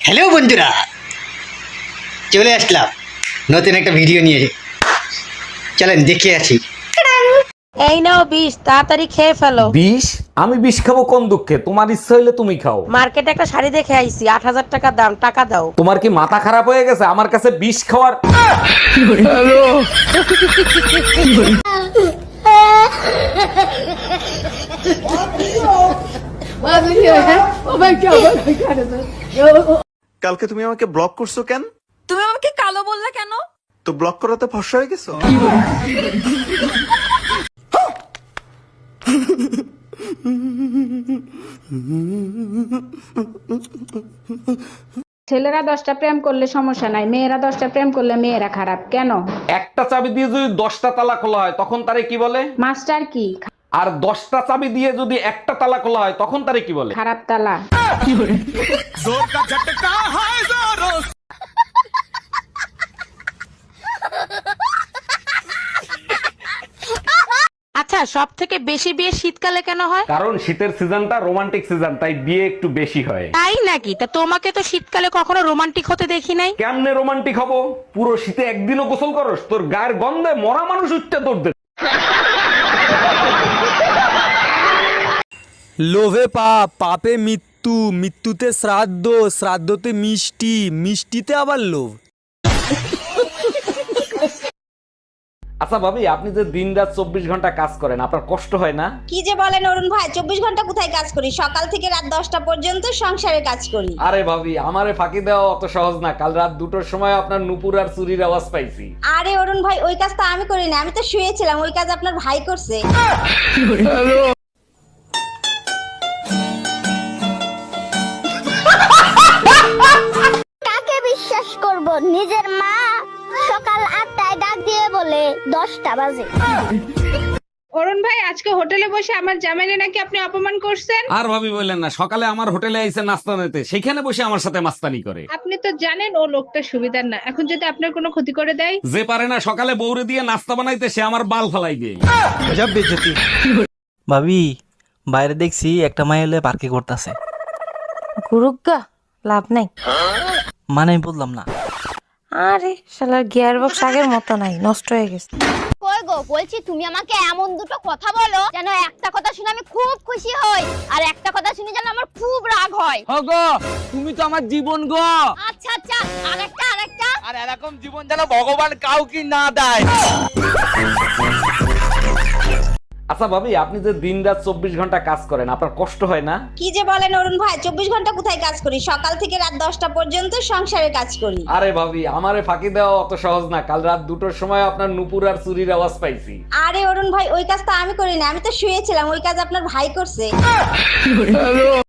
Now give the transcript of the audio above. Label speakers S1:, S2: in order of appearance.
S1: Hello বন্ধুরা, চলে আসলাম নতুন একটা ভিডিও নিয়ে। চলেন দেখে আসি।
S2: এই নাও বিষ, তাড়াতাড়ি খেয়ে ফেলো।
S3: বিষ? আমি বিষ খাবো কোন দুঃখে? তোমার ইচ্ছা হইলে তুমি খাও।
S2: মার্কেটে একটা শাড়ি দেখে আইছি, ৮,০০০ টাকা দাম, টাকা দাও।
S3: তোমার কি মাথা খারাপ হয়ে গেছে আমার কাছে বিষ খাওয়ার?
S4: কালকে তুমি আমাকে ব্লক করছো কেন?
S5: তুমি আমাকে কালো বললা কেন?
S4: তো ব্লক করাতে ফর্সা হয়ে গেছো?
S6: ছেলেরা 10টা প্রেম করলে সমস্যা নাই, মেয়েরা 10টা প্রেম করলে মেয়েরা খারাপ কেন?
S3: একটা চাবি দিয়ে যদি 10টা তালা খোলা হয় তখন তারে কি বলে?
S6: মাস্টার কি?
S3: আর 10টা চাবি দিয়ে যদি একটা তালা খোলা হয় তখন তারে কি বলে?
S6: খারাপ তালা।
S2: আচ্ছা, সব থেকে বেশি বিয়ে শীতকালে কেন হয়?
S3: কারণ শীতের সিজনটা রোমান্টিক সিজন, তাই বিয়ে একটু বেশি হয়।
S2: তাই নাকি? তা তোমাকে তো শীতকালে কখনো রোমান্টিক হতে দেখি নাই।
S3: কেমনে রোমান্টিক হবো? পুরো শীতে একদিনও গোসল করস? তোর গায়ের গন্ধে মরা মানুষ উঠতে দৌড়।
S7: লোভে পাপ, পাপে মৃত্যু, মৃত্যুতে শ্রাদ্ধ, শ্রাদ্ধতে মিষ্টি, মিষ্টিতে আবার লোভ।
S3: আচ্ছা ভাবি, আপনি যে দিন রাত 24 ঘন্টা কাজ করেন, আপনার কষ্ট হয় না?
S8: কি যে বলেন অরুণ ভাই, 24 ঘন্টা কোথায় কাজ করি? সকাল থেকে রাত 10টা পর্যন্ত সংসারে কাজ করি।
S3: আরে ভাবি, আমারে ফাঁকি দেওয়া অত সহজ না। কাল রাত 2টোর সময় আপনার নুপুর আর চুরির আওয়াজ পাইছি।
S8: আরে অরুণ ভাই, ওই কাজ তো আমি করি না, আমি তো শুয়েছিলাম, ওই কাজ আপনার ভাই করছে।
S9: কাকে বিশ্বাস করব? নিজের মা সকাল 8টায় ডাক দিয়ে বলে 10টা বাজে।
S6: অরুণ ভাই, আজকে হোটেলে বসে আমার জামাইরে নাকি আপনি অপমান করছেন।
S3: আর ভাবি বললেন না, সকালে আমার হোটেলে আইসে নাস্তা নিতে, সেখানে বসে আমার সাথে মাস্তানি করে।
S6: আপনি তো জানেন ও লোকটা সুবিধার না, এখন যদি আপনার কোনো ক্ষতি করে দেয়।
S3: যে পারে না সকালে বউরে দিয়ে নাস্তা বানাইতে, সে আমার বাল ফালাই দেয়।
S7: ভাবি, বাইরে দেখছি একটা মাই হলে পার্কে করতেছে।
S2: গুরুগা, লাভ নাই।
S7: মানে বললাম না।
S2: আরে শালার গিয়ার বক্স আগের মতো নাই, নষ্ট হয়ে গেছে।
S9: কই গো, বলছি তুমি আমাকে এমন দুটো কথা বলো যেন একটা কথা শুনে আমি খুব খুশি হই, আর একটা কথা শুনে যেন আমার খুব রাগ হয়।
S7: গো, তুমি তো আমার জীবন গো।
S9: আচ্ছা আচ্ছা, আরেকটা।
S7: আর এরকম জীবন যেন ভগবান কাউকে না দেয়।
S3: আচ্ছা ভাবি, আপনি যে দিন রাত 24 ঘন্টা কাজ করেন, আপনার কষ্ট হয় না?
S8: কি যে বলেন অরুণ ভাই, 24 ঘন্টা কোথায় কাজ করি? সকাল থেকে রাত 10টা পর্যন্ত সংসারে কাজ করি।
S3: আরে ভাবি, আমারে ফাঁকি দেওয়া অত সহজ না। কাল রাত 2টোর সময় আপনার নুপুর আর চুরির আওয়াজ পাইছি।
S8: আরে অরুণ ভাই, ওই কাজ তো আমি করি না, আমি তো শুয়েছিলাম, ওই কাজ আপনার ভাই করছে।